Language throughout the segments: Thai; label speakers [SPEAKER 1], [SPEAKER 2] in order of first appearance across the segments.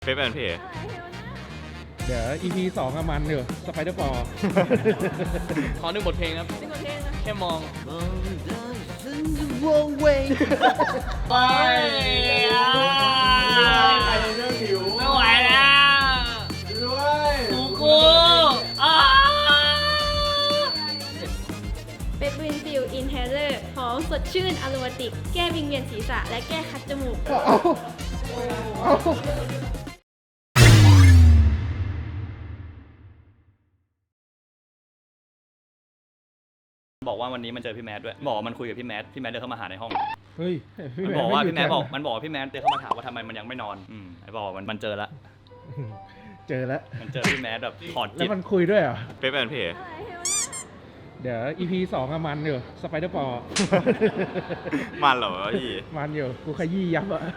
[SPEAKER 1] เฟซแอนเพย์
[SPEAKER 2] เดี๋ยว EP 2อะมันอยู่สไปเดอร์บอล
[SPEAKER 3] ขอหนึ่งบทเพลงครับแค่มองไปไม่ไหวแล้วกู
[SPEAKER 4] เปปวินฟิลอินเฮเลอร์หอมสดชื่นอโรมาติก แก้วิงเวียนศีรษะและแก้คัดจมูก
[SPEAKER 1] บอกว่าวันนี้มันเจอพี่แมทด้วยบอกว่ามันคุยกับพี่แมทเดินเข้ามาหาในห้อง
[SPEAKER 2] เฮ้ย
[SPEAKER 1] มันบอกว่าพี่แมทบอกว่าพี่แมทเดินเข้ามาถามว่าทำไมมันยังไม่นอนไอ้บอกมันเจอละ
[SPEAKER 2] เจอแล้ว
[SPEAKER 1] มันเจอพี่แมทแบบถอด
[SPEAKER 2] แล้
[SPEAKER 1] จิต
[SPEAKER 2] วมันคุยด้วยเหรอ
[SPEAKER 1] เฟซแอนเพย์
[SPEAKER 2] เดี๋ยว EP 2อะมันอยู่สไปเดอร์บอล
[SPEAKER 1] มันเหรอพี่
[SPEAKER 2] มันอยู่กูขยี้ยับอะ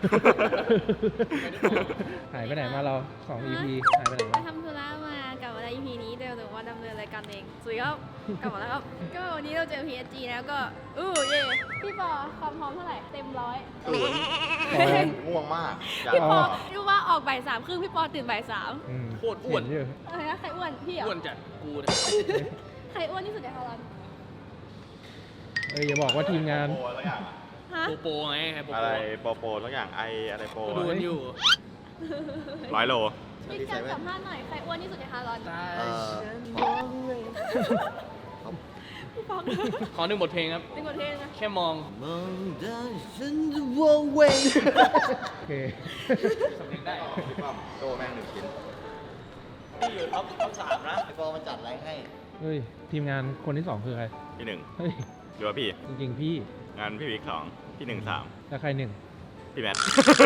[SPEAKER 2] หายไปไหนมาเรา2 EP หายไปไหน
[SPEAKER 4] ไป
[SPEAKER 2] มา
[SPEAKER 4] ทำธุระมากลับมาใน EP นี้เดี๋ยวว่าดำเนินรายการเองสุดยอดกลับมาแล้วครับ ก็วันนี้เราเจอ PSG แล้วก็เย่พี่ปอความพร้อมเท่าไหร่เต็มร้อย
[SPEAKER 5] ง่วงมาก
[SPEAKER 4] พี่ปอรู้ว่าออกบ่ายสามครึ่งพี่ปอตื่นบ่ายสาม
[SPEAKER 3] โคตรอ้วน
[SPEAKER 2] เห็อยู่
[SPEAKER 4] อะไรนะใครอ้วนพี่เหรอ
[SPEAKER 3] อ้วนจัดกูนะ
[SPEAKER 4] ใครอ้วนที่สุดในฮอลแลนด์
[SPEAKER 2] อย่าบอกว่าทีมงาน
[SPEAKER 5] โปรแล้วอย่าง
[SPEAKER 4] ฮะ
[SPEAKER 3] โปไงใครโป
[SPEAKER 5] อะไรโปรแล้วอย่างอะไรโปร
[SPEAKER 3] ดูกันอยู่
[SPEAKER 1] 100 โล
[SPEAKER 4] พี่การสัมภาษณ์หน่อยใครอ้วนที่สุดในฮอลแลนด์พี่ปอ
[SPEAKER 3] ขอหนึ่งบทเพลงครับ
[SPEAKER 4] เป็นคนเท่นะ
[SPEAKER 3] แค่มอง
[SPEAKER 2] โอเค
[SPEAKER 3] สำเร็จได้
[SPEAKER 5] พี่ป้อมโตแม่ง1 ชิ้น
[SPEAKER 1] พี่อยู่ท็อป3นะ
[SPEAKER 5] ไอโปรมันจัดอะไรให้
[SPEAKER 2] เฮ้ยทีมงานคนที่ 2 คือใคร
[SPEAKER 1] พี่หนึ่ง
[SPEAKER 2] เฮ้ย
[SPEAKER 1] หรือว่าพี่
[SPEAKER 2] จริงๆพี่
[SPEAKER 1] งานพี่วิก2พี่1 3
[SPEAKER 2] แล้วใครหนึ่ง
[SPEAKER 1] พี่แมท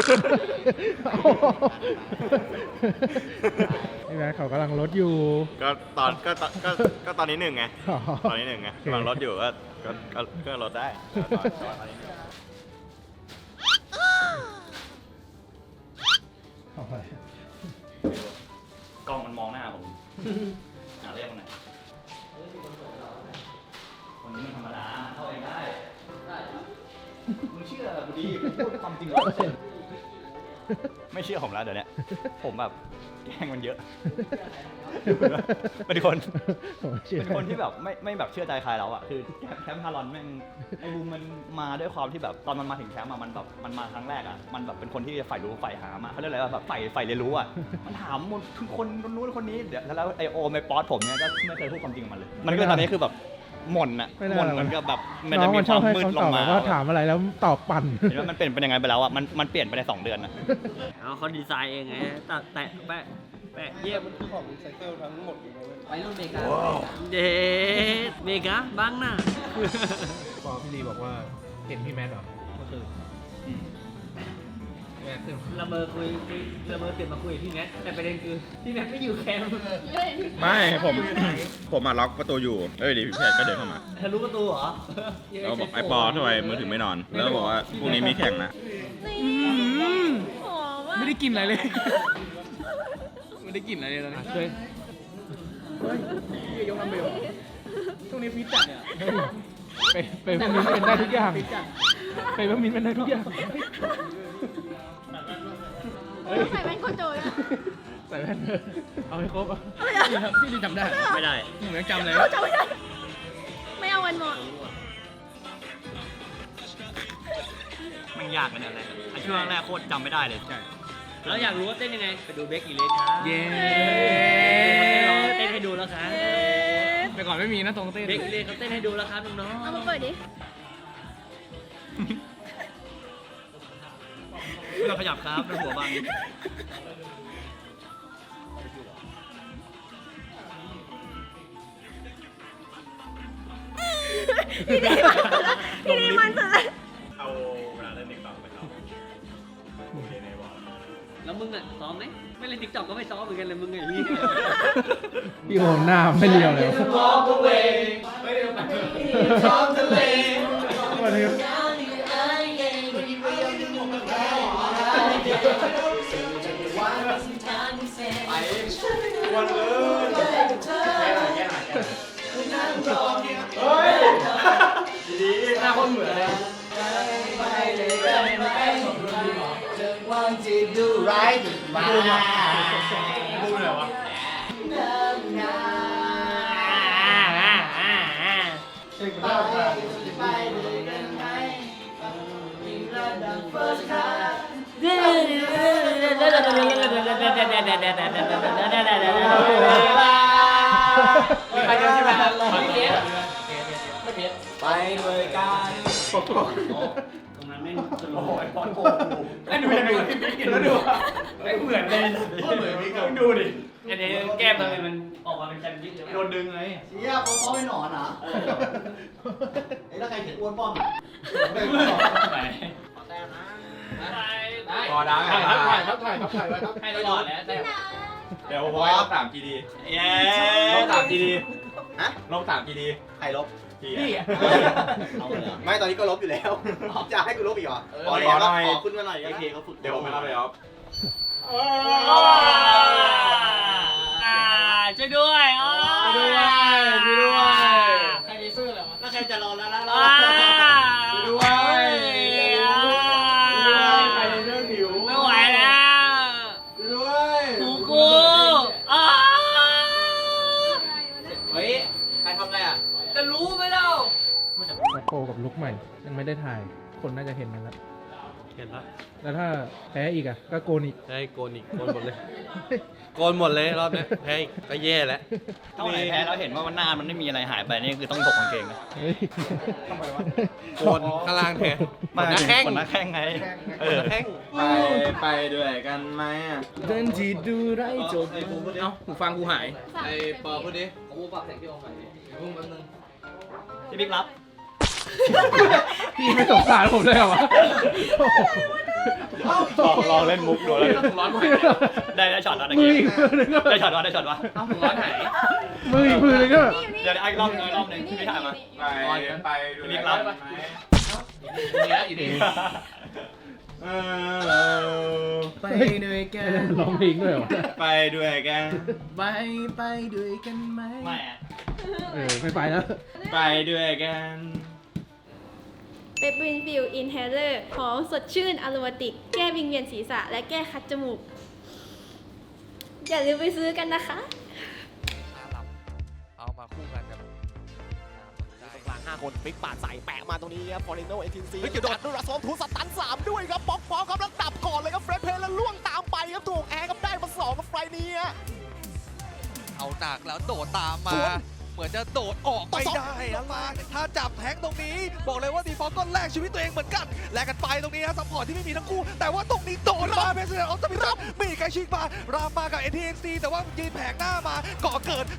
[SPEAKER 2] นี่แม่เขากำลังลดอยู่
[SPEAKER 1] ก็ตอนนี้1ไง
[SPEAKER 2] อ๋อ
[SPEAKER 1] ตอนนี้1ไงกำลังลดอยู่ก็ลดได้ตอนนี้
[SPEAKER 2] เอาไป
[SPEAKER 1] กล้องมันมองหน้าผมเรียกมันหน่อยคนนี้มันธรรมดาเข้าเองได้มึงเชื่อกูดีพูดความจริงไม่เชื่อผมแล้วเดี๋ยวนี้ผมแบบแกล้งมันเยอะเป็นคนที่แบบไม่แบบเชื่อใจใครแล้วอ่ะคือแคมป์ฮารอนแม่งไอ้บูมมันมาด้วยความที่แบบตอนมันมาถึงแคมป์มันแบบมันมาครั้งแรกอ่ะมันแบบเป็นคนที่ใฝ่รู้ใฝ่หามาเขาเรียกอะไรว่าแบบใฝ่เรียนรู้อ่ะมันถามหมดทุกคนนู้นคนนี้เดี๋ยวแล้วไอโอไอป๊อตผมเนี่ยก็ไม่เคยพูดความจริงกับมันเลยมันก็ตอนนี้คือแบบหม่นอ่ะหม่นเหมือนกับแบบมัน
[SPEAKER 2] น้
[SPEAKER 1] จะ
[SPEAKER 2] อง
[SPEAKER 1] มี
[SPEAKER 2] มัน
[SPEAKER 1] ค
[SPEAKER 2] ชอ
[SPEAKER 1] วา
[SPEAKER 2] บ
[SPEAKER 1] ม
[SPEAKER 2] ให้
[SPEAKER 1] มืด
[SPEAKER 2] คำ
[SPEAKER 1] ล
[SPEAKER 2] ตอง บ
[SPEAKER 1] มา
[SPEAKER 2] ว่าถามอะไรแล้วตอบปั่น
[SPEAKER 1] เห็นว่ามันเป็นยังไงไปแล้วอ่ะมันเปลี่ยนไปใน2 เดือนนะ
[SPEAKER 3] เขาดีไซน์เองไงแตะแปะเยี่ยมมันคือของรีไซเคิลทั้งหมดไปรุ่นเมกาเดเมกาบ้างหน้า
[SPEAKER 2] พอพี่ลีบอกว่าเห็นพี่แมทเหรอก็คือแมทคือ
[SPEAKER 3] ละเมอตื่นมาคุยกับพี่แนทแต่ประเด็นคือพี่แนทไม่อยู่แคมป์
[SPEAKER 1] ไม่ผมมาล็อกประตูอยู่ดิพี่แพทก็เดินเข้ามา
[SPEAKER 3] ทะลุประตูเหรอ
[SPEAKER 1] เราบอกไอ้ปอทำไมมือถือไม่นอนแล้วบอกว่าพรุ่งนี้มีแข่งนะ
[SPEAKER 4] หอมมาก
[SPEAKER 3] ไม่ได้กินอะไรเลย ไม่ได้กินอะไรเลยตอนนี้เคยยกลำเบลช่วงนี้ฟิตจัดเนี่ย
[SPEAKER 2] ไปพวกมิ้นเป็นได้ทุกอย่างไปพวกมิ้นเป็นได้ทุกอย่าง
[SPEAKER 4] ใส่แว่นโคโจย
[SPEAKER 2] ใส่แว่นเอาให้ครบอ่ะ
[SPEAKER 3] พี่จำได้ไม่ได้ผมยังจำเลย
[SPEAKER 4] จำไม่ได้ไม่เอาวันหมด
[SPEAKER 1] มันยากกันอะไรช่วงแรกโคตรจำไม่ได้เลยใช่
[SPEAKER 3] แล้วอยากรู้ว่าเต้นยังไงไปดูเบคอีเลสครับเย้เต้นให้ดูแล้วครับแต่ก่อนไม่มีนะตรงเต้นเบคอีเลสเขาเต้นให้ดูแล้วครับน้องๆ
[SPEAKER 4] เอามาเปิดดิ
[SPEAKER 1] เราขยับครับเป็นหัวบาง
[SPEAKER 4] พี่ดีมันสุดละพี่ดีมันสุดละ
[SPEAKER 1] เอาเวลาเล่นติ๊กต็อกไปซ้อมโอเคในวอล
[SPEAKER 3] แล้วมึงอ่ะซ้อมไหมไม่เล่นติ๊กต็อกก็ไม่ซ้อมเหมือนกันเลยมึงไงนี่
[SPEAKER 2] พี่โอมหน้าไม่เรียวเลย วันนี้
[SPEAKER 5] วันเลยดีหน้าคนเหมือนเลย
[SPEAKER 6] วางจีบดู
[SPEAKER 5] ร้ายมา
[SPEAKER 3] พูดเลยวะ
[SPEAKER 5] ไปกันใช่ไหม
[SPEAKER 3] ไปเลยกันตรงนั้นไม่สโลว์ไอ้บอลโกงไอ้ดูยังไงพี่บิ๊กเห็นแล้วดูไอ้เหมือนเลยเหมือนพี่ดูดิอันนี้แก้มทำไมมันออกมาเป็นแซนด์วิชโดนดึงไง
[SPEAKER 5] เชี่ยเขาไม่หนอนเหรอไอ้แล้วใครเห็นอ้วนป้อมอ่ะ
[SPEAKER 3] พอได้
[SPEAKER 2] ถ่ายครับถ่ายครับถ่ายไว้ครับ
[SPEAKER 3] ให้ตลอดแล้วแต่
[SPEAKER 5] เดี๋ยวผมให้ลบ3 GD
[SPEAKER 3] เย้
[SPEAKER 5] ลบ3 GD ฮะลบ3 GD ใครลบพี่อ่ะไม่ตอนนี้ก็ลบอยู่แล้วจะให้กูลบอีกเหรอขอแล้วขอขึ้นมาหน่อยเคเขาฝึกเดี๋ยวผมไปรับเลยครับ
[SPEAKER 3] ช่วยด้วยช่วยด้วยใครมีเสื้อเหรอแล้วใครจะรอแล้วช่วยด้วยใครจะเรื่องหิวไม่ไหวแล้วช่วยด้วยกูเฮ้ยใครทำอะไรอ่ะจะรู้ไหมเล่า
[SPEAKER 2] มาโคกับลุกใหม่ยังไม่ได้ถ่าย คนน่าจะเห็นกันแล้ว
[SPEAKER 6] เห็นปะ
[SPEAKER 2] แล้วถ้าแพ้อีกอ่ะก็โกนอีก
[SPEAKER 6] ได้โกนอีกโกนหมดเลย โกนหมดเลยรอบเนี้ยแพ้อีกก็แย่แล้ว
[SPEAKER 1] ถ้าวันไหนแพ้แล้วเห็นว่ามันหน้ามันไม่มีอะไรหายไปนี่คือต้องถกกางเกงนะ
[SPEAKER 2] เฮ้ย
[SPEAKER 6] โกนข้างล่างแทนขนหน้าแข้ง
[SPEAKER 1] ขนหน้าแข้งไง
[SPEAKER 6] ขนหน้าแข้ง
[SPEAKER 5] ไปด้วยกันไหมอ่ะ
[SPEAKER 3] เดินจีดูไรจบเอ้าหูฟังกูหาย
[SPEAKER 4] ไอ้ปอพูดดิ
[SPEAKER 1] พี่บิ๊กรับ
[SPEAKER 2] พี่ไม่สงสารผมเลยเหรอวะ
[SPEAKER 1] ลองเล่นมุกดูแล้ว
[SPEAKER 3] ร้อนไหม
[SPEAKER 1] ได้ช็อตแล้วตะ
[SPEAKER 2] มือ
[SPEAKER 1] กี้
[SPEAKER 2] อีกมือนึงก็
[SPEAKER 1] ได้ช็อตวะได้ช็อตวะ
[SPEAKER 3] เอ้าหูร้อนหาย
[SPEAKER 2] มืออีกมือนึงก็
[SPEAKER 1] เดี๋ยวไอ้รอบนึงรอบนึงพี่ถ่ายมา
[SPEAKER 5] ไป
[SPEAKER 1] พี่บิ๊กรับ
[SPEAKER 3] อยู่ดี
[SPEAKER 2] ไปด้วยกันร้องเพลงด้วยเหรอวะ
[SPEAKER 5] ไปด้วยกัน
[SPEAKER 3] ไปด้วยกันไหม
[SPEAKER 1] ไม่อะ
[SPEAKER 2] ไม่ไปแล้ว
[SPEAKER 5] ไปด้วยกัน
[SPEAKER 4] เปปวินฟิลอินเฮเลอร์หอมสดชื่นอโรมาติก แก้วิงเวียนศีรษะและแก้คัดจมูก อย่าลืมไปซื้อกันนะคะ
[SPEAKER 7] เอามาคู่กันครับกลาง5 คนฟิกปาดใส่แปะมาตรงนี้ครับฟอร์เรโนเอทินซีโดดด้วยรัสองทูสตัน3ด้วยครับป๊อกพอครับแล้วดับก่อนเลยครับเฟรดเพลแล้วล่วงตามไปครับถูกแอร์ครับได้มา2กับไฟนี้เอาหนักแล้วโดดตามมา เหมือนจะโดดออกไม่ได้นะมาถ้าจับแทงตรงนี้บอกเลยว่าดีฟอลก็แลกชีวิตตัวเองเหมือนกันแลกกันไปตรงนี้ครับซัพพอร์ตที่ไม่มีทั้งคู่แต่ว่าตรงนี้โดนมาเพสเซอร์ออฟตมิรับมีใครชิงมารามมากับ NTXC แต่ว่ายืนแผงหน้ามาก่อเกิด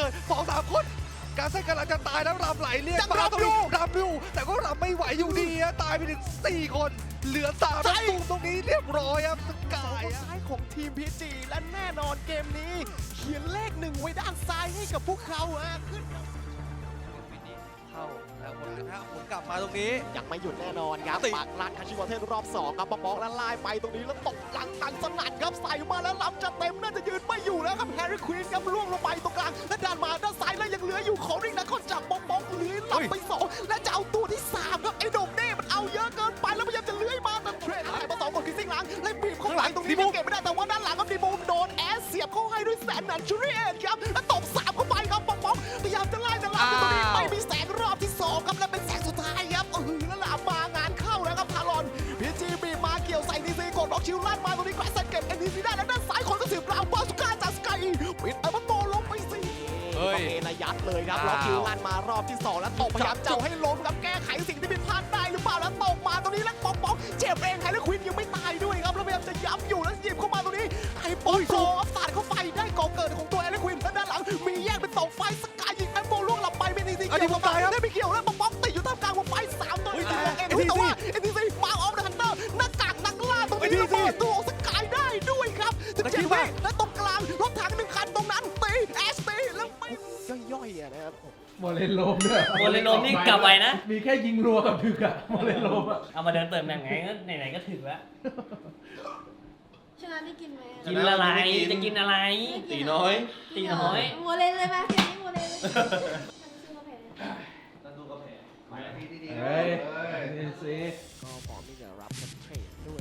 [SPEAKER 7] 2-3 คนการเส้นกำลังจะตายแล้วรำไหลเรียกมาตรงนี้รำอยู่แต่ก็รำไม่ไหวอยู่ดีตายไปถึง4 คนเหลือ3แล้วตูมตรงนี้เรียบร้อยครับสกายซ้ายของทีม PG และแน่นอนเกมนี้เขียนเลข1ไว้ด้านซ้ายให้กับพวกเขาขึ้นเข้าแล้วหมุนกลับมาตรงนี้ยังไม่หยุดแน่นอนครับปักหลักคาชิวอเทนรอบ2ครับป๊อกแล้วไล่ไปตรงนี้แล้วตกหลังตันสนั่นครับใส่มาแล้วล้ำจะเต็มน่าจะยืนไม่อยู่แล้วครับแฮร์รี่ควีนครับล่วงลงไปตรงกลางและดันมาด้านซ้ายแล้วยังเหลืออยู่ของริงนะคนจับป๊อกเลื้อยหลับไป2และจะเอาตัวที่3ครับไอ้โดมเน่มันเอาเยอะเกินไปแล้วพยายามจะเลื้อยมาแต่เทรดให้มา2 คนคือซิงหลังและบีบเข้าหลังตรงนี้เก็บไม่ได้แต่ว่าด้านหลังครับดีบูมโดนแอสเสียบเข้าให้ด้วยแสนนันชูริเอทครับแล้วตบ3เข้าไปครับป๊อกพยายามจะไล่แต่หลังตรงนี้ไม่มีแสงรอบที่2ครับและเป็นแสงสุดท้ายครับแล้วลามมางานเข้าแล้วครับทารอนพีจีบีมาเกี่ยวใส่ดีซีกดบล็อกชิลลั่นมาตรงนี้แกรสเก็บ NTC ได้แล้วด้านซ้ายคนก็สืบราวบอสก้าจากสกายปิดอัลบั้มโตลงไปสิเฮ้ยระยัดเลยครับบล็อกชิลลั่นมารอบที่2แล้วตกพยายามเจ้าให้ล้มครับแก้ไขสิ่งที่ผิดพลาดได้หรือเปล่าแล้วตกมาตรงนี้แล้วป๊อกเจ็บเองไฮเลอร์ควินยังไม่ตายด้วยครับแล้วพยายามจะย้ำอยู่แล้วหยิบเข้ามาตรงนี้ไอ้ป๊อกโซอัพสาดเข้าไปได้ก่อเกิดของตัวไฮเลอร์ควินแล้วด้านหลังมีแยกเป็น2ไฟสกายยิงแอมโบล่วงหลับไปเป็นNTCเกี่ยวกับได้ไม่เกี่ยวแล้วป๊อกติดอยู่ท่ามกลางวงไฟ3ตัวแต่ว่าNTCมาออฟเดอะฮันเตอร์หน้ากากนักล่าตรงนี้แล้วเปิดตัวสกายได้ด้วยครับ17วิและตรงกลางรถถัง1 คันตรงนั้นตีแอสตีแล้วไม่ย่อยๆนะครับ
[SPEAKER 2] โมเลนโลมด้วย
[SPEAKER 3] โมเลนโลมนี่กลับไปนะ
[SPEAKER 2] มีแค่ยิงรัวกับถึกอะโมเลนโลมอะ
[SPEAKER 3] เอามาเดินเติมแหน่งไงก็ไหนๆก็ถึงแล้ว
[SPEAKER 4] ชนะได้กินไหม
[SPEAKER 3] กินอะไรจะกินอะไร
[SPEAKER 5] ตีน้อย
[SPEAKER 3] ตีน้อย
[SPEAKER 4] โมเลนเลยไหมเกมนี้โมเลนเลยชื่อว่าแพ้
[SPEAKER 2] เฮ้ยนี่สิ
[SPEAKER 7] ก็พร้อมที่จะรับเทรดด้วย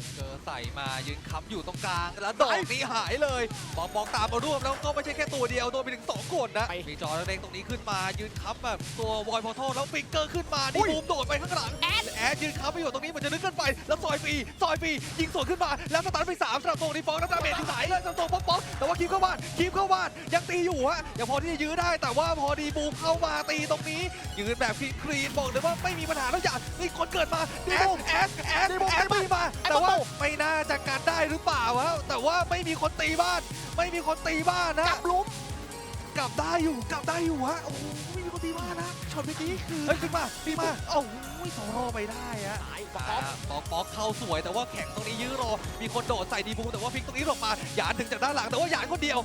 [SPEAKER 8] เจอใส่มายืนค้ำอยู่ตรงกลางแล้วดอกนี้หายเลยมองตามมาร่วมแล้วก็ไม่ใช่แค่ตัวเดียวโดนไปถึง2คนนะมีจอเร่งตรงนี้ขึ้นมายืนค้ำแบบตัววอยพอร์ทัลแล้วฟิกเกอร์ขึ้นมาดีบูมโดดไปข้างหลังแอดยืนค้ำไปอยู่ตรงนี้เหมือนจะลึกเกินไปแล้วซอยฟรียิงสวนขึ้นมาแล้วสตาร์ทไป3สำหรับตรงนี้ฟองน้ำดาเมจที่สายเลยสำหรับตรงป๊อกแต่ว่าคีบเข้าบ้านยังตีอยู่ฮะยังพอที่จะยื้อได้แต่ว่าพอดีบูมเข้ามาตีตรงนี้ยืนแบบคลีนบอกเลยว่าไม่มีปัญหาแล้วอย่างนี่คนเกิดมาแอดไม่มาแต่ว่าไม่น่าจะกันได้หรือเปล่าวะแต่ว่าไม่มีคนตีบ้านนะกลับได้อยู่ฮะโอ้โหไม่มีคนตีบ้านนะช็อตเมื่อกี้คือเฮ้ยขึ้นมาโอ้โหสองรอไปได้ฮะป๊อกเข้าสวยแต่ว่าแข็งตรงนี้ยื้อรอมีคนโดดใส่ดีบูแต่ว่าพลิกตรงนี้หลบมาหยานถึงจากด้านหลังแต่ว่าหยานคนเดียว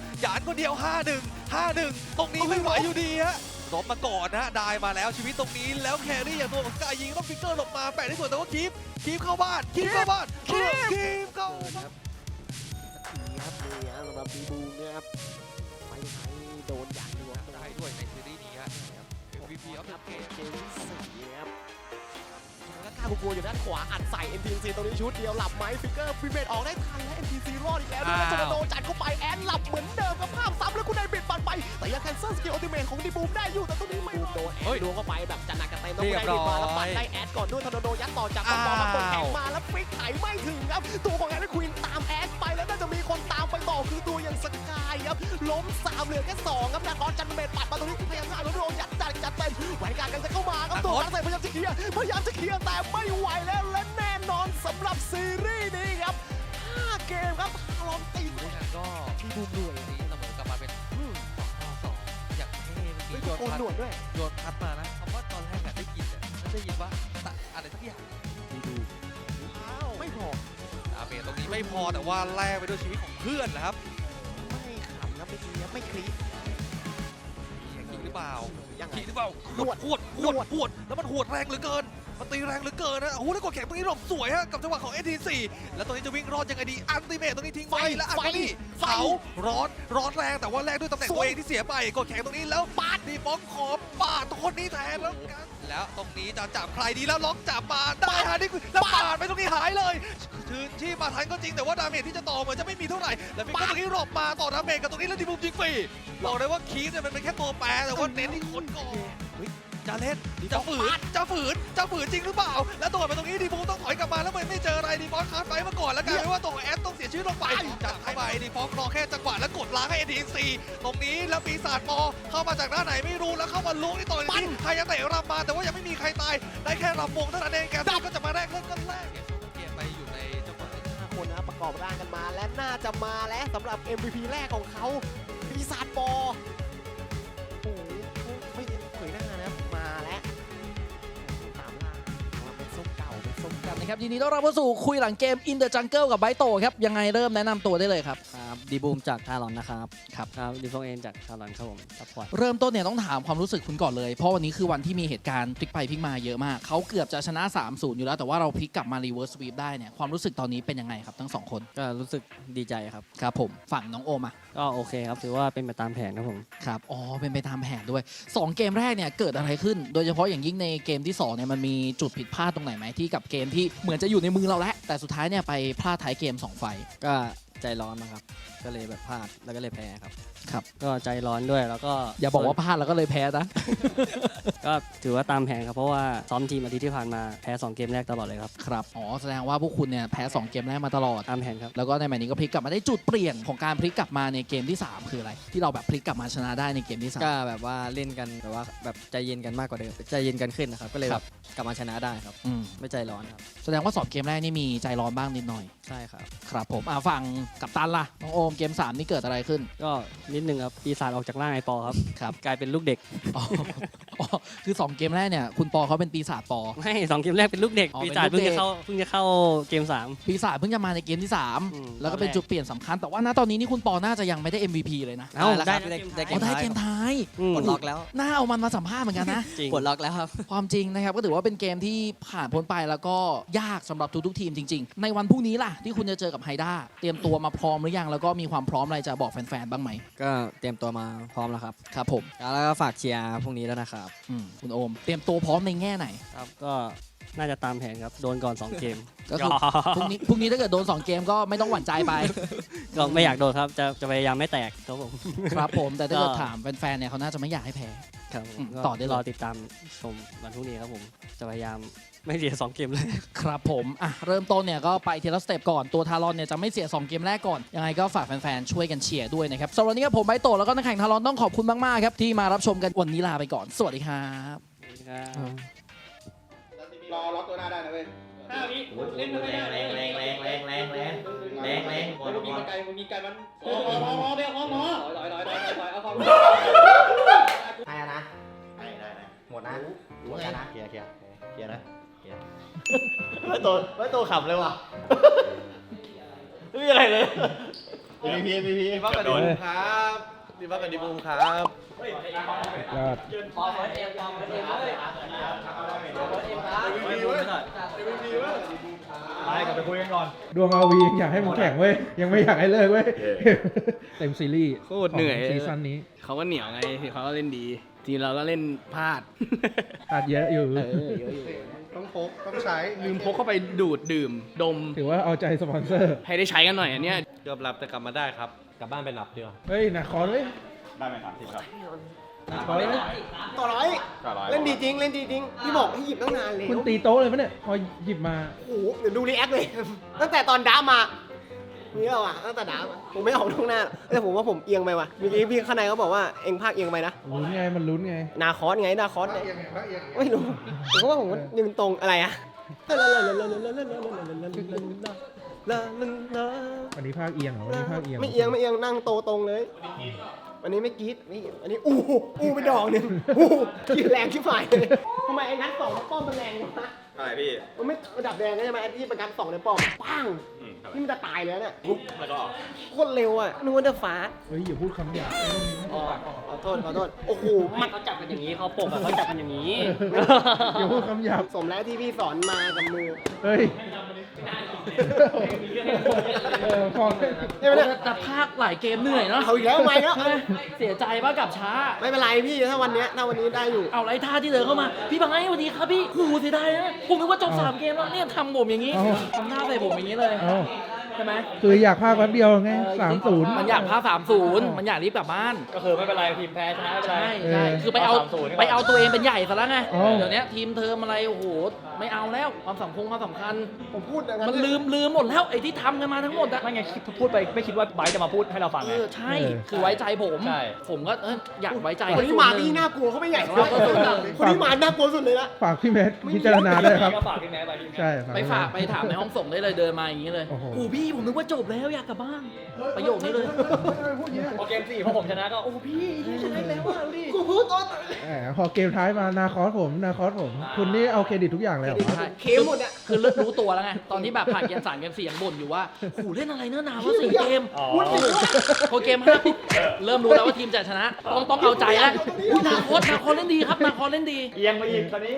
[SPEAKER 8] 5-1ตรงนี้ไม่ไหวอยู่ดีฮะรบมาก่อนนะได้มาแล้วชีวิตตรงนี้แล้วแครี่อย่างตัวของสกายยิงต้องฟิกเกอร์หลบมาแปะได้สวยแต่ว่าคีฟเข้าบ้านคีฟเข้าบ้าน
[SPEAKER 7] ครับนี่ครับสำหรับดีบูมเนี่ยครับไม่ให้โดนอย่างเดียว
[SPEAKER 8] ได้ด้วยในซีรีส์นี้ฮะ MVP of the game
[SPEAKER 7] เกมที่4นะครับแล้วกล้ากลัวอยู่ด้านขวาอัดใส่ NTC ตรงนี้ชุดเดียวหลับไหมฟิกเกอร์ฟิเมตออกได้ทันและ NTC รอดอีกแล้วด้วยโจนาโดจัดเข้าไปแอนหลับเหมือนเดิมกับภาพซ้ำแล้วคุณนายบิดปันไปแต่ยังแคนเซิลสกิลอัลติเมทของดีบูมได้อยู่แต่ตรงนี้ไม่โดนแอนดวงเข้าไปแบบจัดหนักกันเต็มแล้วคุณนายบิดมาแล้วปัดได้แอดก่อนด้วยโจนาโดยัดต่อจากบอลมากดแข่งมาแล้วฟิกไถไม่ถึงครับตัวของแอนด์ควีนตามแอดไปแล้วน่าจะมีคนตามไปต่อคือตัวอย่างสกายครับล้ม3เหลือแค่2ครับนาคอนจันเมทปัดมาตรงนี้พยายามจะเอาโดนยัดจัดเต็มแหวนการกันจะเข้ามาครับตัวนักเตะพยายามจะเคลียร์แต่ไม่ไหวแล้วและแน่นอนสำหรับซีรีส์นี้ครับ5เกมครับลองตี
[SPEAKER 8] ผู้นั้นก็ที่ดูด้วยนี้เสมอกลับมาเป็น2-2อย่างเท่เมื่อกี้
[SPEAKER 7] โกนหนวดด้วย
[SPEAKER 8] โยนพัดมานะคำว่าตอนแรกได้ยินได้ยินว่าอะไรสักอย่าง
[SPEAKER 7] ไม่พอ
[SPEAKER 8] ดาเมจตรงนี้ไม่พอแต่ว่าแลกไปด้วยชีวิตของเพื่อนนะครับ
[SPEAKER 7] ไม่ขำนะไม่ดีไม่คลิป
[SPEAKER 8] จริงหรือเปล่า
[SPEAKER 7] ยังไง
[SPEAKER 8] จริงหรือเปล่าหวดแล้วมันหวดแรงเหลือเกินมันตีแรงเหลือเกินนะโอ้โหแล้วกดแข็งตรงนี้หลบสวยฮะกับจังหวะของ AT4 แล้วตรงนี้จะวิ่งรอดยังไงดีอัลติเมทตรงนี้ทิ้งไว้แล้วอัลติเผาร้อนแรงแต่ว่าแรงด้วยตำแหน่งตัวเองที่เสียไปกดแข็งตรงนี้แล้วปาดดีฟ้องขอปาดคนนี้แทนแล้วตรงนี้จะจับใครดีแล้วล็อกจับมาได้ฮะนี่แล้วปาดไปตรงนี้หายเลยคืนที่มาทันก็จริงแต่ว่าดาเมจที่จะต่อเหมือนจะไม่มีเท่าไหร่แล้วฟิกเกอร์ตรงนี้หลบมาต่อดาเมจกับตรงนี้แล้วดีบูมยิงฟรีบอกเลยว่าคีฟเนี่ยมันเป็นแค่ตัวแปรแต่ว่าเน้นที่คนก่อนจะเล่นจะฝืนจริงหรือเปล่าแล้วตัวไปตรงนี้ดีบูมต้องถอยกลับมาแล้วไม่เจออะไรดีฟอสคาร์ดไฟมาก่อนแล้วกลายเป็นว่าตัวของแอดต้องเสียชีวิตลงไปจัดเข้าไปดีฟอสรอแค่จังหวะแล้วกดล้างให้ AT4 ตรงนี้แล้วปีศาจมอเข้ามาจากด้านไหนไม่รู้แล้วเข้ามาลุ้งที่ต่อนี้ใครจะเตะรำมาแต่ว่ายังไม่มีใครตายได้แค่รำวงเท่านั้นเองแกก็จะมาแรกเริ่มกันแรกเกมไปอยู่ในจังหวะ
[SPEAKER 7] 5 คนนะประกอบร่างกันมาและน่าจะมาแล้วสำหรับ MVP แรกของเขาปีศาจบอโอ้โหไม่เผยหน้านะมาแล้วตามล่าเป็นส้มเก่า
[SPEAKER 9] นะครับยินดีต้อนรับเข้าสู่คุยหลังเกม In the Jungle กับไบโตครับยังไงเริ่มแนะนำตัวได้เลยครับ
[SPEAKER 10] ดีบูมจากทารอนนะครับ
[SPEAKER 9] ครับ
[SPEAKER 10] ดีฟงเอ็นจากทารอนครับผมซัพพอร์ต
[SPEAKER 9] เริ่มต้นเนี่ยต้องถามความรู้สึกคุณก่อนเลยเพราะวันนี้คือวันที่มีเหตุการณ์พลิกไปพลิกมาเยอะมากเขาเกือบจะชนะ 3-0 อยู่แล้วแต่ว่าเราพลิกกลับมารีเวิร์สสวีปได้เนี่ยความรู้สึกตอนนี้เป็นยังไงครับทั้ง2คน
[SPEAKER 10] ก็รู้สึกดีใจครับ
[SPEAKER 9] ครับผมฝั่งน้องโอมอ่ะ
[SPEAKER 10] ก็โอเคครับถือว่าเป็นไปตามแผนครับผม
[SPEAKER 9] ครับอ๋อเป็นไปตามแผนด้วย2เกมแรกเนี่ยเกิดอะไรขึ้นโดยเฉพาะอย่างยิ่งในเกมที่2เนี่ยมันมีจุดผิดพลาดตรงไหนไหมที่กับเกมที่เหมือนจะอยู่ในมือเราแล้วแต่สุดท้ายเนี่ยไปพลาดท้ายเกม2ไฟ
[SPEAKER 10] ก็ใจร้อนนะครับก็เลยแบบพลาดแล้วก็เลยแพ้ครับ
[SPEAKER 9] ครับ
[SPEAKER 10] ก็ใจร้อนด้วยแล้วก็
[SPEAKER 9] อย่าบอกว่าพลาดแล้วก็เลยแพ้นะ
[SPEAKER 10] ก็ถือว่าตามแผนครับเพราะว่าซ้อมทีมอาทิตย์ที่ผ่านมาแพ้2เกมแรกตลอดเลยครับ
[SPEAKER 9] ครับอ๋อแสดงว่าพวกคุณเนี่ยแพ้2เกมแรกมาตลอด
[SPEAKER 10] ตามแผนครับ
[SPEAKER 9] แล้วก็ในแมตช์นี้ก็พลิกกลับมาได้จุดเปลี่ยนของการพลิกกลับมาในเกมที่3คืออะไรที่เราแบบพลิกกลับมาชนะได้ในเกมที่3
[SPEAKER 10] ก็แบบว่าเล่นกันแบบว่าแบบใจเย็นกันมากกว่าเดิมใจเย็นกันขึ้นนะครับก็เลยแบบกลับมาชนะได้ครับไม่ใจร้อนครับ
[SPEAKER 9] แสดงว่า2เกมแรกนี่มีใจร้อนบ้างนิดหน่อย
[SPEAKER 10] ใช่ครับ
[SPEAKER 9] ครับผมฝั่งกัปตันล่ะน้องโอมเกม3นี่เกิดอะไรขึ้น
[SPEAKER 10] ก็นิดนึงครับปีศาจออกจากร่างไอปอครับกลายเป็นลูกเด็ก
[SPEAKER 9] คือ2เกมแรกเนี่ยคุณปอเขาเป็นปีศาจปอ
[SPEAKER 10] ไม่2เกมแรกเป็นลูกเด็กปีศาจเพิ่งจะเข้าเกม3
[SPEAKER 9] ปีศาจเพิ่งจะมาในเกมที่3แล้วก็เป็นจุดเปลี่ยนสำคัญแต่ว่าณตอนนี้นี่คุณปอน่าจะยังไม่ได้ MVP เลยนะ
[SPEAKER 10] ได้
[SPEAKER 9] เกมท้าย
[SPEAKER 10] ปลดล็อกแล้ว
[SPEAKER 9] น่าเอามันมาสัมภาษณ์เหมือนกันนะ
[SPEAKER 10] ปลดล็อกแล้วครับ
[SPEAKER 9] ความจริงนะครับก็ถือว่าเป็นเกมที่ผ่านพ้นไปแล้วก็ยากสำหรับทุกทีมจริงๆในวันพรุ่งนี้ล่ะที่คุณจะเจอกับไฮด้าเตรียมตัวมาพร้อมหรือยังแล้วก็มีความพร้อมอะไรจะบอกแฟนๆบ้างไหม
[SPEAKER 10] ก็เตรียมตัวมาพร้อมแล้วครับ
[SPEAKER 9] ครับผม
[SPEAKER 10] แล้วก็ฝากเชียร์พรุ่งนี้แล้วนะครับ
[SPEAKER 9] คุณโอมเตรียมตัวพร้อมในแง่ไหน
[SPEAKER 10] ครับก็น่าจะตามแผนครับ โดนก่อน 2 เกม
[SPEAKER 9] ก็คือพรุ่งนี้ถ้าเกิดโดน 2 เกมก็ไม่ต้องหวั่นใจไป
[SPEAKER 10] ก็ไม่อยากโดนครับ จะพยายามไม่แตกครับผม
[SPEAKER 9] ครับผมแต่ถ้าเกิดถามแฟนๆเนี่ยเขาน่าจะไม่อยากให้แพ้
[SPEAKER 10] ครับผม
[SPEAKER 9] ต่อได้เลย
[SPEAKER 10] รอติดตามชมวันพรุ่งนี้ครับผม จะพยายามไม่เสีย 2 เกมเลย
[SPEAKER 9] ครับผมเริ่มต้นเนี่ยก็ไปทีละสเต็ปก่อนตัวทารอนเนี่ยจะไม่เสีย 2 เกมแรกก่อนยังไงก็ฝากแฟนๆช่วยกันเชียร์ด้วยนะครับสำหรับวันนี้ครับผมไบโตะแล้วก็นักแข่งทารอนต้องขอบคุณมากๆครับที่มารับชมกันวันนี้ลาไปก่อนสวัสดีครับ
[SPEAKER 5] รอล็อกตัวหน้าได้นะเว้ย
[SPEAKER 3] เล่นไม่ได้แรง
[SPEAKER 5] มึงมีไกลมันให้นะได้หมดนะหมดนะเคลียร์นะไม่โตขับเลยว่ะไม่มีอะไรเลยพี
[SPEAKER 6] บ้ากันดีบูมครับดีบ้ากันดีบูมครับ
[SPEAKER 2] ยอด
[SPEAKER 1] ไปกลับไปคุยกันก่อน
[SPEAKER 2] ดวงอาวียังอยากให้มึงแข่งเว้ย ยังไม่อยากให้เลิกเว้ย เต็มซีรีส์
[SPEAKER 3] โคตรเหนื่อย
[SPEAKER 2] ของซีซั่นนี้
[SPEAKER 3] เขาก็เหนียวไงเขาก็เล่นดี ทีเราก็เล่นพลาด
[SPEAKER 2] อาจเยอะอยู่
[SPEAKER 5] ต้องพกต้องใช้
[SPEAKER 3] ลืมพกเข้าไปดูดดื่มดม
[SPEAKER 2] ถือว่าเอาใจสปอนเซอร์
[SPEAKER 3] ให้ได้ใช้กันหน่อยอันเนี้ย
[SPEAKER 6] ยอมรับแต่กลับมาได้ครับ กลับบ้านไปหลับดีกว่า
[SPEAKER 2] เฮ้ยหนักคอเลย
[SPEAKER 1] ได้ไหมครับครับ
[SPEAKER 2] คอเลย
[SPEAKER 5] ต่อร้อยเล่นดีจริงพี่บอกให้หยิบตั้งนานเลย
[SPEAKER 2] คุณตีโต๊ะเลยปะเนี่ย พอหยิบมา
[SPEAKER 5] โอ้โหเดี๋ยวดูรีแอคเลย ตั้งแต่ตอนดามานี่เราอะตั้งแต่ดามาผมไม่ออกตรงหน้าแต่ผมว่าผมเอียงไปว่ะเมื่อกี้พี่ข้างในเขาบอกว่าเอ็งภาคเอียงไปนะ
[SPEAKER 2] ลุ้นไง มันลุ้นไง
[SPEAKER 5] นาคอสไงนาคอสเนี่ยไม่รู้ผมก็ว่าผมยืนตรงอะไรอะ
[SPEAKER 2] วันนี้ภาคเอียงเหรอ วันนี้ภาคเอียง
[SPEAKER 5] ไม่เอียงนั่งโตตรงเลย วันนี้ไม่กรี๊ดนี่อันนี้อู้ไปดอกหนึ่งกินแรงชิบหายเลยทำไมไอ้นัดสองป้อมมันแรงวะ
[SPEAKER 6] อะไรพี่
[SPEAKER 5] มันไม่ระดับแดงใช่ไหมไอ้ที่ประกันสองในป้อมปังนี่มันจะตายเลยเนี่ย
[SPEAKER 6] แล้วก็
[SPEAKER 5] โคตรเร็วอ่ะนึกว่าจะฟ้า
[SPEAKER 2] เฮ้ยอย่าพูดคำหยาบ
[SPEAKER 5] ขอโทษโอ้โหมัน
[SPEAKER 10] เขาจับกันอย่างนี้เขาปกเขาจับกันอย่างนี้
[SPEAKER 2] อย่าพูดคำหยาบ
[SPEAKER 5] สมแล้วที่พี่สอนมากับมือ
[SPEAKER 2] เฮ้ยพอ
[SPEAKER 5] ใช่ไหมเนี่ย
[SPEAKER 9] แต่ภาคหลายเกมเหนื่อยเนาะ
[SPEAKER 5] เอาอีกแล้วไม่แล้ว
[SPEAKER 9] เสียใจป่ะกับช้า
[SPEAKER 5] ไม่เป็นไรพี่ถ้าวันนี้ได้อยู่
[SPEAKER 9] เอาไรท่าที่เดินเข้ามา พี่บังไงสวัสดีครับพี่หูเสียดายนะผมนึกว่าจบ3 เกมแล้วเนี่ยทำผมอย่างนี้ทำหน้าใส่ผมอย่างนี้เลย
[SPEAKER 2] เอา
[SPEAKER 9] ใช่ไหม
[SPEAKER 2] คืออยากภาคแป๊บเดียวไง 30
[SPEAKER 9] มันอยากพา30มันอยากรีบกลับบ้าน
[SPEAKER 1] ก็คือไม่เป็นไรทีมแพ้ชนะไม่เป็นไร
[SPEAKER 9] ใช่คือไปเอา
[SPEAKER 1] 30
[SPEAKER 9] ไปเอาตัวเองเป็นใหญ่ซะแล้วไง
[SPEAKER 2] อ๋อ
[SPEAKER 9] เดี๋ยวนี้ทีมเทอมอะไรโอ้โหไม่เอาแล้วความสำคัญ
[SPEAKER 5] ผมพูดอย่างนั้น
[SPEAKER 9] มันลืมหมดแล้วไอ้ที่ทำกันมาทั้งหมดอะ
[SPEAKER 1] ไม่ไงพูดไปไม่คิดว่าไบร์ทจะมาพูดให้เราฟังไง
[SPEAKER 9] ใช่ คือไว้ใจผม
[SPEAKER 1] ใช่
[SPEAKER 9] ผมก็อยากไว้ใจ
[SPEAKER 5] คนที่มาพี่น่ากลัวเขาไม่ใหญ่คนที่มาน่ากลัวสุดเลยละ
[SPEAKER 2] ฝากพี่แมทพิจารณาด้วยครับ
[SPEAKER 1] ก็ฝากพี่แม่ไปพี่แม่
[SPEAKER 2] ใช่
[SPEAKER 9] ไปฝากไปถามในห้องส่งได้เลยเดินมาอย่างนี้เลย
[SPEAKER 2] โอ้โห
[SPEAKER 9] โอ้พี่ผมนึกว่าจบแล้วอยากกลับบ้านประโยคนี้เลย
[SPEAKER 1] พอเกม4พอผมชนะก็โอ้พี่ชนะแล้วอ่ะดูดิ
[SPEAKER 5] กูพูดต้น
[SPEAKER 2] พอเกมท้ายมานาคอสผม คุณนี่เอาเครดิตทุกอย่างเลยเหรอ
[SPEAKER 9] ใช่
[SPEAKER 5] เคมหมดอะ
[SPEAKER 9] คือรู้ตัวแล้วไง ตอนที่แบบผ่านเกม3 เกม 4ยังบ่นอยู่ว่าโอ้โหเล่นอะไรเนื้อหนาวว่า4 เกม
[SPEAKER 1] อ๋อ
[SPEAKER 9] พอเกม5ปุ๊บเริ่มรู้แล้วว่าทีมจะชนะ ต้องเอาใจแล้วอุ๊ยนาคอสเล่นดีครับนาคอสเล่นดี
[SPEAKER 1] เอียงไปอีกตอนนี้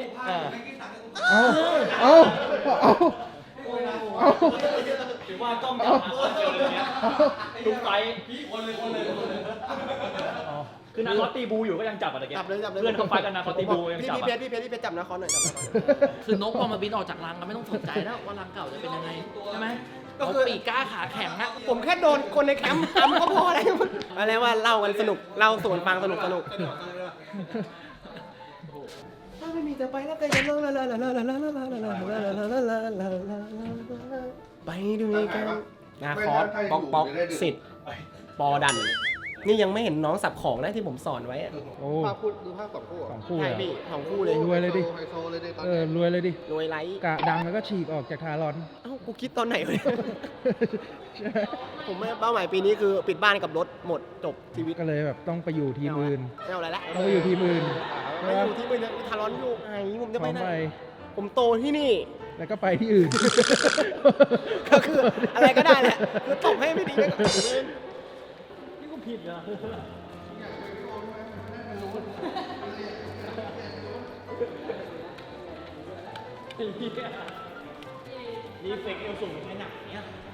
[SPEAKER 2] เอา
[SPEAKER 1] ถือว่ากล้องจับมาคนเดียวเลยเนี่ยทุกไซส์คือนาคอสตีบูอยู่ก็ยังจับอ่ะตะเกีย
[SPEAKER 5] จับเลย
[SPEAKER 1] เพื่อนเขาไฟกันนาคอสตีบูยัง
[SPEAKER 5] พี่
[SPEAKER 1] จับ
[SPEAKER 5] เพชรจับนะคอนหน่อย
[SPEAKER 9] คือนกพอมาบินออกจากรังก็ไม่ต้องสนใจแล้วว่ารังเก่าจะเป็นยังไงใช่ไหมก็ปีกกล้าขาแข็งอะ
[SPEAKER 5] ผมแค่โดนคนในแคมป์ทำก็พอแล้วอะไรว่าเล่ากันสนุกเล่าส่วนฟังสนุกถ้าไม่มีแต่ไปแล้วก็จะร้องไปด้วยกันนาคอสป๊อกสิทธิ์ปอดันนี่ยังไม่เห็นน้องสับของนะที่ผมสอนไว้อะ
[SPEAKER 2] โอ้
[SPEAKER 5] ภาพดูภาพ2 คู่
[SPEAKER 2] 2 คู่
[SPEAKER 5] ใช่
[SPEAKER 2] เลย
[SPEAKER 5] พี่2 คู่เลย
[SPEAKER 2] รวยเลยดิ
[SPEAKER 5] ไฮโซเลยดิตอน
[SPEAKER 2] รวยเลยดิ
[SPEAKER 5] รวยไลท์
[SPEAKER 2] กะดังแล้วก็ฉีกออกจากทารอน
[SPEAKER 5] เอ้ากูคิดตอนไหนวะผมเป้าหมายปีนี้คือปิดบ้านกับรถหมดจบชีวิต
[SPEAKER 2] ก็เลยแบบต้องไปอยู่ทีมอื่น
[SPEAKER 5] ไม่เอาอะไรละ
[SPEAKER 2] ต้องไปอยู่ทีมอื่น
[SPEAKER 5] ไม่อยู่ที่มือเนี่ยทารอนอยู่ไอ้ผมจะ
[SPEAKER 2] พ
[SPEAKER 5] ไป
[SPEAKER 2] ร้อม
[SPEAKER 5] ไหน
[SPEAKER 2] ไป
[SPEAKER 5] ผมโตที่นี่
[SPEAKER 2] แล้วก็ไปที่อื่น
[SPEAKER 5] ก็คืออะไรก็ได้แหละคือตบให้ไม่ดีก็นี่กูผิดนะ
[SPEAKER 1] รีเฟกเอลสูงแค่ไหนเนี่ย